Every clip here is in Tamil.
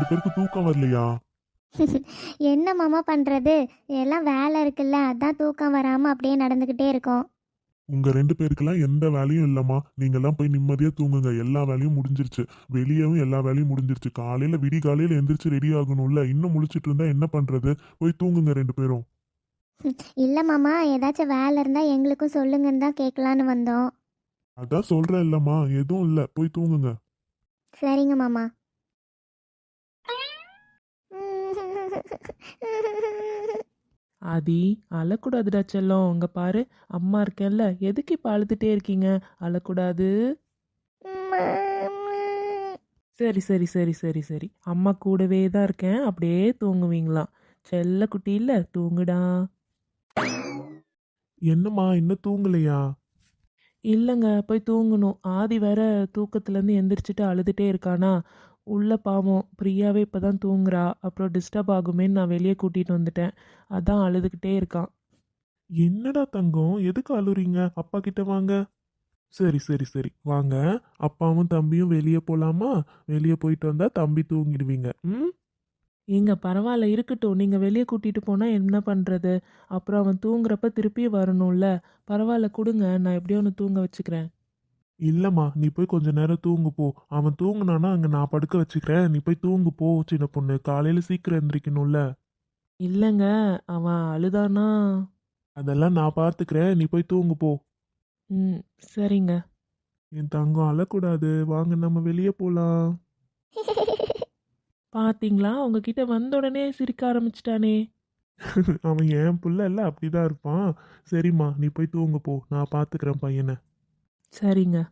பேருக்கு தூக்கம் வரலையா? என்ன மாமா பண்ணுறது, எல்லாம் வேலை இருக்குல்ல, அதான் தூக்கம் வராமல் அப்படியே நடந்துக்கிட்டே இருக்கோம். உங்க 2 பேருக்கெல்லாம் எந்த வேலையும் இல்லம்மா. நீங்கெல்லாம் போய் நிம்மதியா தூங்குங்க. எல்லா வேலையும் முடிஞ்சிருச்சு. வெளியவும் எல்லா வேலையும் முடிஞ்சிருச்சு. காலையில விடிகாலையில எந்திரிச்சு ரெடி ஆகணும்ல. இன்னும் முழிச்சிட்டு இருந்தா என்ன பண்றது? போய் தூங்குங்க 2 பேரும். இல்லை மாமா, ஏதாச்சும் வேலை இருந்தால் எங்களுக்கும் சொல்லுங்கன்னு தான் கேட்கலான்னு வந்தோம். அதான் சொல்றேன் இல்லம்மா, எதுவும் இல்ல. போய் தூங்குங்க. சரிங்க மாமா. ஆதி, அழக்கூடாதுடா செல்லம். இங்க பாரு, அம்மா இருக்கேன்ல, எதுக்கு இப்ப அழுதுட்டே இருக்கீங்க? அழக்கூடாது. சரி சரி சரி சரி சரி, அம்மா கூடவே தான் இருக்கேன். அப்படியே தூங்குவீங்களாம். செல்ல குட்டி இல்ல, தூங்குடா. என்னம்மா இன்னும் தூங்கலையா? இல்லைங்க, போய் தூங்கணும். ஆதி வேற தூக்கத்துலேருந்து எந்திரிச்சிட்டு அழுதுட்டே இருக்கானா. உள்ள பாவம் பிரியாவே இப்போ தான் தூங்குறா. அப்புறம் டிஸ்டர்ப் ஆகுமேன்னு நான் வெளியே கூட்டிகிட்டு வந்துட்டேன். அதான் அழுதுகிட்டே இருக்கான். என்னடா தங்கம், எதுக்கு அழுறீங்க? அப்பா கிட்ட வாங்க. சரி சரி சரி, வாங்க. அப்பாவும் தம்பியும் வெளியே போலாமா? வெளியே போயிட்டு வந்தா தம்பி தூங்கிடுவீங்க. ம். ஏங்க பரவாயில்ல, இருக்கட்டும். நீங்கள் வெளியே கூட்டிகிட்டு போனால் என்ன பண்ணுறது? அப்புறம் அவன் தூங்குறப்ப திருப்பி வரணும்ல. பரவாயில்ல, கொடுங்க. நான் எப்படியோ ஒன்று தூங்க வச்சுக்கிறேன். இல்லம்மா, நீ போய் கொஞ்ச நேரம் தூங்கு போ. அவன் தூங்குனானா அங்க நான் படுக்க வச்சுக்கிறேன். நீ போய் தூங்கு போ சின்ன பொண்ணு. காலையில சீக்கிரம் எந்திரிக்கணும்ல. இல்லைங்க, அவன் அழுதானா. அதெல்லாம் நான் பார்த்துக்கிறேன். நீ போய் தூங்கு போ. ம், சரிங்க. என் தங்கம் அழக்கூடாது. வாங்க நம்ம வெளியே போலாம். பாத்தீங்களா, உங்ககிட்ட வந்த உடனே சிரிக்க ஆரம்பிச்சிட்டானே. அவன் என் புள்ள இல்ல, அப்படிதான் இருப்பான். சரிம்மா, நீ போய் தூங்கு போ. நான் பார்த்துக்கிறேன் பையனை. சரிங்க.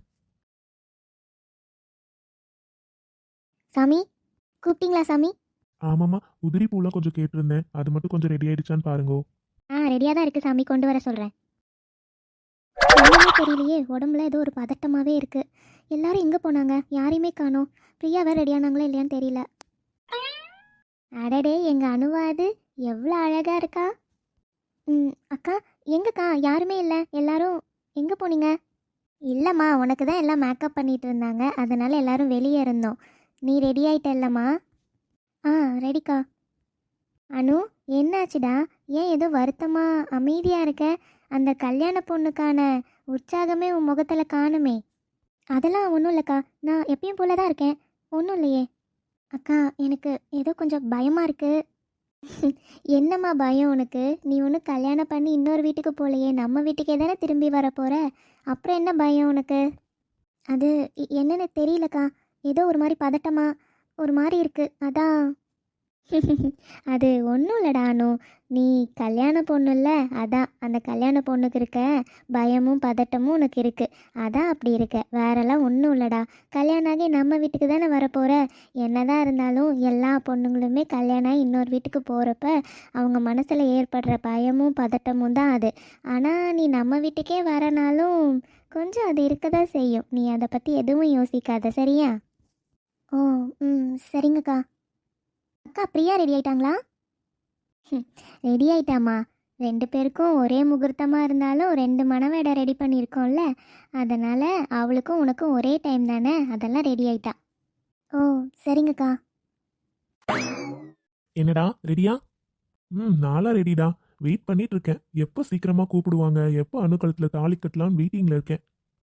சாமி, கூப்பிட்டீங்களா சாமி? ஆமாம்மா, உதிரி பூலாம் கொஞ்சம் கேட்டிருந்தேன். அது மட்டும் கொஞ்சம் ரெடி ஆயிடுச்சான்னு பாருங்கோ. ரெடியாக தான் இருக்குது சாமி, கொண்டு வர சொல்கிறேன். என்னன்னே தெரியலையே, உடம்புல ஏதோ ஒரு பதட்டமாகவே இருக்குது. எல்லாரும் எங்கே போனாங்க? யாரையுமே காணோம். பிரியா வேறு ரெடியானாங்களா இல்லையான்னு தெரியல. அடடே, எங்கள் அணுவா அது எவ்வளோ அழகாக இருக்கா. அக்கா, எங்கக்கா? யாருமே இல்லை. எல்லாரும் எங்கே போனீங்க? இல்லைம்மா, உனக்கு தான் எல்லாம் மேக்கப் பண்ணிட்டு இருந்தாங்க, அதனால் எல்லாரும் வெளியே இருந்தோம். நீ ரெடி ஆகிட்ட இல்லைம்மா? ரெடிக்கா. அனு, என்னாச்சுடா? ஏன் ஏதோ வருத்தமாக அமைதியாக இருக்க? அந்த கல்யாண பொண்ணுக்கான உற்சாகமே உன் முகத்தில் காணுமே. அதெல்லாம் ஒன்றும் இல்லைக்கா, நான் எப்பயும் போல தான் இருக்கேன். ஒன்றும் இல்லையே. அக்கா, எனக்கு ஏதோ கொஞ்சம் பயமாக இருக்குது. என்னம்மா பயம் உனக்கு? நீ ஒன்றும் கல்யாணம் பண்ணி இன்னொரு வீட்டுக்கு போகலையே, நம்ம வீட்டுக்கே தானே திரும்பி வர போகிற. அப்புறம் என்ன பயம் உனக்கு? அது என்னன்னு தெரியலக்கா, ஏதோ ஒரு மாதிரி பதட்டமாக ஒரு மாதிரி இருக்குது, அதான். அது ஒன்றும் இல்லைடா அனு, நீ கல்யாண பொண்ணு இல்லை, அதான் அந்த கல்யாண பொண்ணுக்கு இருக்க பயமும் பதட்டமும் உனக்கு இருக்குது, அதான் அப்படி இருக்க. வேறெல்லாம் ஒன்றும் இல்லைடா. கல்யாணம் ஆகி நம்ம வீட்டுக்கு தானே வரப்போகிற. என்னதான் இருந்தாலும் எல்லா பொண்ணுங்களுமே கல்யாணம் ஆகி இன்னொரு வீட்டுக்கு போகிறப்ப அவங்க மனசில் ஏற்படுற பயமும் பதட்டமும் தான் அது. ஆனால் நீ நம்ம வீட்டுக்கே வரனாலும் கொஞ்சம் அது இருக்க தான் செய்யும். நீ அதை பற்றி எதுவும் யோசிக்காத, சரியா? ஓ, சரிங்கக்கா. அக்கா, பிரியா ரெடி ஆயிட்டாங்களா? ரெடி ஆயிட்டாமா. 2 பேருக்கும் ஒரே முகூர்த்தமாக இருந்தாலும் 2 மணவேடை ரெடி பண்ணியிருக்கோம்ல, அதனால் அவளுக்கும் உனக்கும் ஒரே டைம் தானே, அதெல்லாம் ரெடி ஆயிட்டா. ஓ, சரிங்கக்கா. என்னடா ரெடியா? நாளா ரெடிடா. வெயிட் பண்ணிட்டு இருக்கேன். எப்போ சீக்கிரமா கூப்பிடுவாங்க, எப்போ அணுக்களத்தில் தாலி கட்டலாம்னு வெயிட்டிங்ல இருக்கேன்.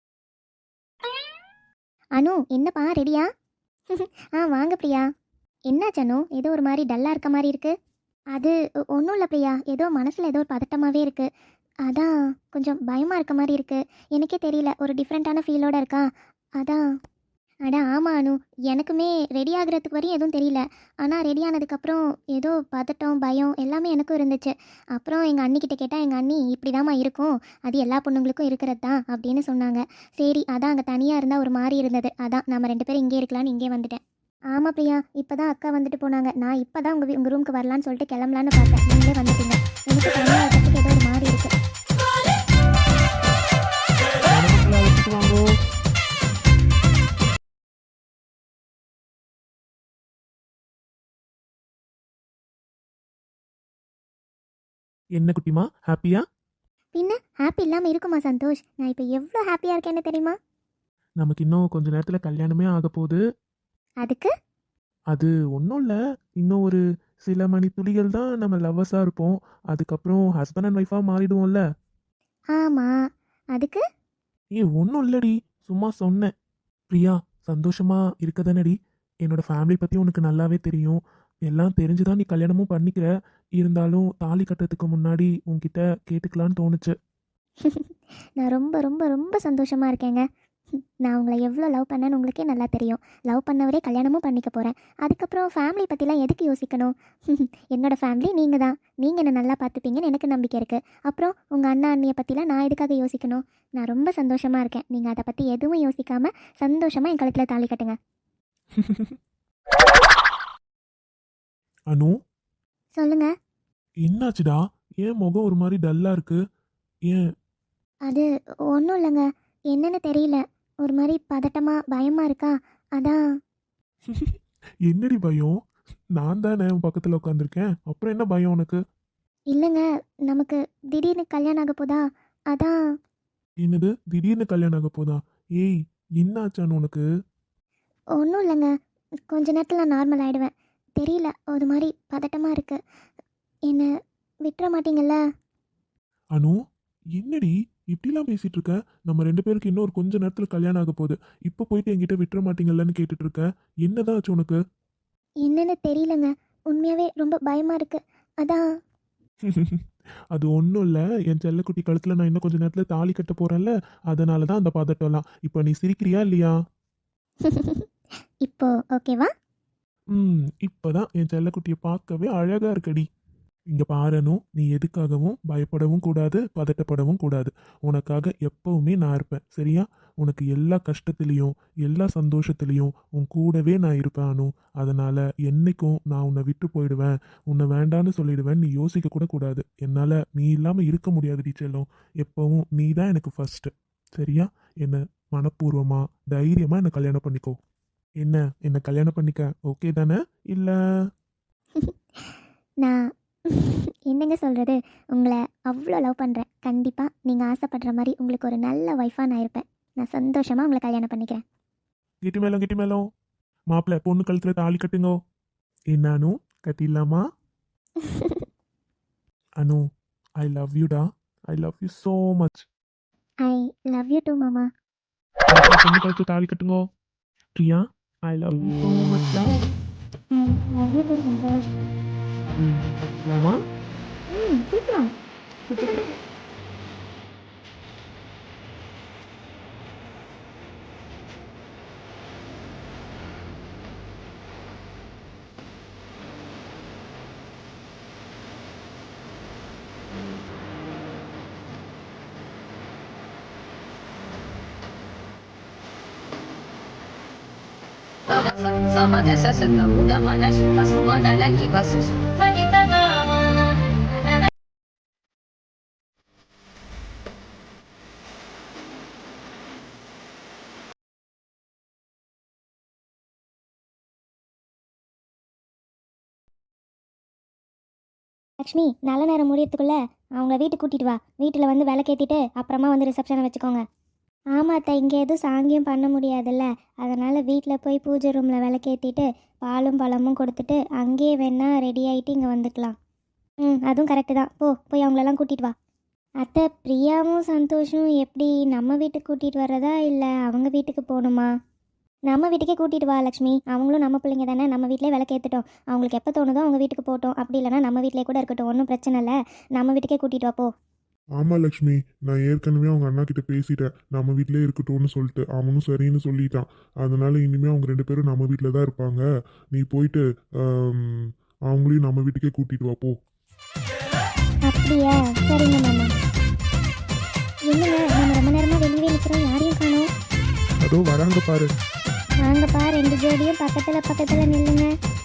அனு, என்னப்பா ரெடியா? வாங்க பிரியா. என்னாச்சு அனு, ஏதோ ஒரு மாதிரி டல்லாக இருக்க மாதிரி இருக்கு? அது ஒன்றும் இல்லை பிரியா, ஏதோ மனசில் ஏதோ ஒரு பதட்டமாகவே இருக்குது, அதான் கொஞ்சம் பயமாக இருக்க மாதிரி இருக்குது. எனக்கே தெரியல, ஒரு டிஃப்ரெண்ட்டான ஃபீலோட இருக்கா, அதான். அட ஆமாம் அனு, எனக்குமே ரெடி ஆகுறதுக்கு வரையும் எதுவும் தெரியல. ஆனால் ரெடி ஆனதுக்கப்புறம் ஏதோ பதட்டம் பயம் எல்லாமே எனக்கும் இருந்துச்சு. அப்புறம் எங்கள் அண்ணிக்கிட்ட கேட்டால் எங்கள் அண்ணி இப்படி தாம்மா இருக்கும், அது எல்லா பொண்ணுங்களுக்கும் இருக்கிறது தான் அப்படின்னு சொன்னாங்க. சரி, அதான் அங்கே தனியாக இருந்தால் ஒரு மாதிரி இருந்தது, அதான் நம்ம 2 பேரும் இங்கே இருக்கலான்னு இங்கே வந்துட்டேன். ஆமாம் பிரியா, இப்போ தான் அக்கா வந்துட்டு போனாங்க. நான் இப்போ தான் உங்கள் ரூமுக்கு வரலான்னு சொல்லிட்டு கிளம்பலான்னு பார்த்தேன், நீங்களே வந்துட்டீங்க. எனக்கு தனியாக இருக்கிறதுக்கு ஏதோ ஒரு மாதிரி இருக்குது. மணமக்களை அழைச்சிட்டு வாங்கோ. என்ன குட்டிமா, ஹாப்பியா? பின்ன ஹாப்பி இல்லாமல் இருக்குமா சந்தோஷ்? நான் இப்போ எவ்வளோ ஹாப்பியாக இருக்கேன்னு தெரியுமா? நமக்கு இன்னும் கொஞ்ச நேரத்தில் கல்யாணமே ஆக போகுது. அதுக்கு அது ஒன்றும் இல்லை. இன்னும் ஒரு சில மணி துளிகள் தான் நம்ம லவ்வர்ஸாக இருப்போம். அதுக்கப்புறம் ஹஸ்பண்ட் அண்ட் ஒய்ஃபாக மாறிடுவோம்ல. ஆமாம், அதுக்கு? ஒன்றும் இல்லடி, சும்மா சொன்னேன். பிரியா, சந்தோஷமா இருக்க தானடி? என்னோட ஃபேமிலி பற்றி உனக்கு நல்லாவே தெரியும். எல்லாம் தெரிஞ்சுதான் நீ கல்யாணமும் பண்ணிக்கிற. இருந்தாலும் தாலி கட்டுறதுக்கு முன்னாடி உன்கிட்ட கேட்டுக்கலான்னு தோணுச்சு. நான் ரொம்ப ரொம்ப ரொம்ப சந்தோஷமாக இருக்கேங்க. நான் உங்களை எவ்வளோ லவ் பண்ணேன்னு உங்களுக்கே நல்லா தெரியும். லவ் பண்ணவரே கல்யாணமும் பண்ணிக்க போகிறேன். அதுக்கப்புறம் ஃபேமிலி பற்றிலாம் எதுக்கு யோசிக்கணும்? என்னோடய ஃபேமிலி நீங்கள் தான். நீங்கள் என்னை நல்லா பார்த்துப்பீங்கன்னு எனக்கு நம்பிக்கை இருக்குது. அப்புறம் உங்கள் அண்ணா அண்ணியை பற்றிலாம் நான் எதுக்காக யோசிக்கணும்? நான் ரொம்ப சந்தோஷமாக இருக்கேன். நீங்கள் அதை பற்றி எதுவும் யோசிக்காமல் சந்தோஷமாக என் கழுத்தில் தாலி கட்டுங்க. அனு, சொல்லுங்கள். என்னாச்சுடா? ஏன் முகம் ஒரு மாதிரி டல்லா இருக்கு? ஏன்? அது ஒன்றும் இல்லைங்க. என்னன்னு தெரியல. ஒரு மாதிரி பதட்டமாக பயமாக இருக்கா, அதான். என்னடி பயம்? நான் தானே உன் பக்கத்தில் உட்காந்துருக்கேன். அப்புறம் என்ன பயம் உனக்கு? இல்லைங்க, நமக்கு திடீர்னு கல்யாணம் ஆக போதா, அதான். என்னது திடீர்னு கல்யாணம் ஆக போதா? ஏய், என்னாச்சான்னு உனக்கு? ஒன்றும் இல்லைங்க. கொஞ்ச நேரத்தில் நான் நார்மல் ஆகிடுவேன். தெரியல, ஒரு மாதிரி பதட்டமாக இருக்குது. என்னை விட்டுற மாட்டீங்கல்ல? அனு, என்னடி இப்படிலாம் பேசிட்டு இருக்க? நம்ம ரெண்டு பேருக்கு இன்னும் ஒரு கொஞ்ச நேரத்தில் கல்யாணம் ஆக போகுது. இப்போ போயிட்டு என்கிட்ட விட்டுற மாட்டீங்கல்லன்னு கேட்டுட்டு இருக்க. என்னதான் ஆச்சு உனக்கு? என்னன்னு தெரியலங்க. உண்மையாகவே ரொம்ப பயமாக இருக்குது, அதான். அது ஒன்றும் இல்லை. என் செல்லக்குட்டி கழுத்தில் நான் இன்னும் கொஞ்ச நேரத்தில் தாலி கட்ட போகிறேன்ல, அதனால தான் அந்த பதட்டம்லாம். இப்போ நீ சிரிக்கிறியா இல்லையா? இப்போ ஓகேவா? இப்போதான் என் செல்லக்குட்டியை பார்க்கவே அழகாக இருக்கடி. இங்கே பாரணும், நீ எதுக்காகவும் பயப்படவும் கூடாது, பதட்டப்படவும் கூடாது. உனக்காக எப்பவுமே நான் இருப்பேன், சரியா? உனக்கு எல்லா கஷ்டத்துலேயும் எல்லா சந்தோஷத்துலேயும் உன் கூடவே நான் இருப்பேன் அனு. அதனால் என்னைக்கும் நான் உன்னை விட்டு போயிடுவேன், உன்னை வேண்டான்னு சொல்லிடுவேன் நீ யோசிக்க கூட கூடாது. என்னால் நீ இல்லாமல் இருக்க முடியாது டீச்சர்லும். எப்பவும் நீ தான் எனக்கு ஃபர்ஸ்ட்டு, சரியா? என்னை மனப்பூர்வமாக தைரியமாக என்னை கல்யாணம் பண்ணிக்கோ. என்னை கல்யாணம் பண்ணிக்க ஓகே தானே? இல்லை? நான் என்னங்க சொல்கிறது, உங்களை அவ்வளோ லவ் பண்ணுறேன். கண்டிப்பாக நீங்கள் ஆசைப்படுற மாதிரி உங்களுக்கு ஒரு நல்ல ஒய்ஃபாக நான் இருப்பேன். நான் சந்தோஷமாக உங்களை கல்யாணம் பண்ணிக்கிறேன். கிட்டி மேலும் மாப்பிள்ளை பொண்ணு கழுத்தில் தாலி கட்டுங்கோ. என்ன அனு, கட்டிடலாமா? அனு, ஐ லவ் யூடா. I love you so much. I love you too மாமா. பொண்ணு கழுத்தில் தாலி கட்டுங்கோ. Priya, I love you so much டா. லவ் யூ டூ மாமா. மாமா, சீக்கிரம். Sama desa setahu dan mana suka semua dan lagi basus. Kita Lakshmi, நல்ல நேரம் முடியறதுக்குள்ளே அவங்கள வீட்டுக்கு கூட்டிகிட்டு வா. வீட்டில் வந்து விளக்கேற்றிட்டு அப்புறமா வந்து ரிசப்ஷனை வச்சுக்கோங்க. ஆமாம் அத்தை, இங்கே எதுவும் சாங்கியம் பண்ண முடியாதுல்ல, அதனால் வீட்டில் போய் பூஜை ரூமில் விளக்கேற்றிட்டு பாலும் பழமும் கொடுத்துட்டு அங்கேயே வேணால் ரெடி ஆகிட்டு இங்கே வந்துக்கலாம். அதுவும் கரெக்டு தான். போய் அவங்களெல்லாம் கூட்டிகிட்டு வா. அத்தை, பிரியாவும் சந்தோஷும் எப்படி நம்ம வீட்டுக்கு கூட்டிகிட்டு வர்றதா இல்லை அவங்க வீட்டுக்கு போகணுமா? நம்ம வீட்டுக்கே கூட்டிகிட்டு வா லக்ஷ்மி. அவங்களும் நம்ம பிள்ளைங்க தானே. நம்ம வீட்டிலே விளக்கேற்றட்டும். அவங்களுக்கு எப்போ தோணுதோ அவங்க வீட்டுக்கு போகட்டும். அப்படி இல்லைனா நம்ம வீட்டிலே கூட இருக்கட்டும், ஒன்றும் பிரச்சனை இல்லை. நம்ம வீட்டுக்கே கூட்டிகிட்டு வா போ. ஆமாம் லக்ஷ்மி, நான் ஏற்கனவே அவங்க அண்ணா கிட்ட பேசிட்டேன். நம்ம வீட்டிலே இருக்கட்டும்னு சொல்லிட்டு அவனும் சரின்னு சொல்லிட்டான். அதனால இனிமேல் அவங்க ரெண்டு பேரும் நம்ம வீட்டில் தான் இருப்பாங்க. நீ போயிட்டு அவங்களையும் நம்ம வீட்டுக்கே கூட்டிட்டு வா போ. அப்படியா? சரிங்க மாமா. என்னங்க, நம்ம ரொம்ப நேரமாக வெளியே நிற்கிறோம், யாரையும் காணோம். அதோ வராங்க பாரு. வாங்கப்பா, 2 ஜோடியும் பக்கத்தில் நில்லுங்க.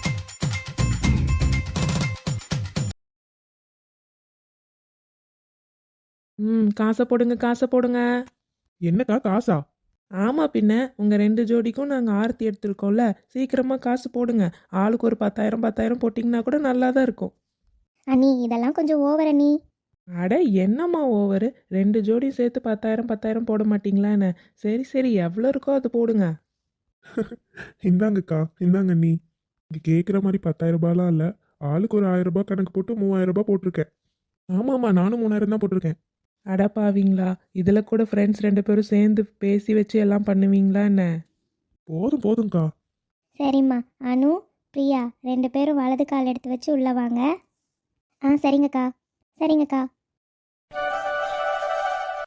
காசை போடுங்க, காசை போடுங்க. என்னக்கா காசா? ஆமாம், பின்ன உங்கள் 2 ஜோடிக்கும் நாங்கள் ஆரத்தி எடுத்துருக்கோம்ல, சீக்கிரமாக காசு போடுங்க. ஆளுக்கு ஒரு 10,000 போட்டிங்கன்னா கூட நல்லா தான் இருக்கும். அண்ணி, இதெல்லாம் கொஞ்சம் ஓவர் அண்ணி. அட என்னம்மா ஓவரு? 2 ஜோடியும் சேர்த்து 10,000 போட மாட்டிங்களா என்ன? சரி எவ்வளோ இருக்கோ அது போடுங்க. இந்தாங்கக்கா, இந்தாங்க நீ. இங்கே கேட்குற மாதிரி 10,000 ரூபாய்லாம் இல்லை. ஆளுக்கு ஒரு 1000 ரூபாய் கணக்கு போட்டு 3000 ரூபாய் போட்டிருக்கேன். ஆமாம்மா, நானும் 3000 தான் போட்டிருக்கேன். அடப்பாவீங்களா, இதில் கூட ஃப்ரெண்ட்ஸ் 2 பேரும் சேர்ந்து பேசி வச்சு எல்லாம் பண்ணுவீங்களா என்ன? போதும் போதும்க்கா. சரிம்மா. அனு, பிரியா 2 பேரும் வலது கால் எடுத்து வச்சு உள்ளே வாங்க. ஆ சரிங்கக்கா. சரிங்கக்கா.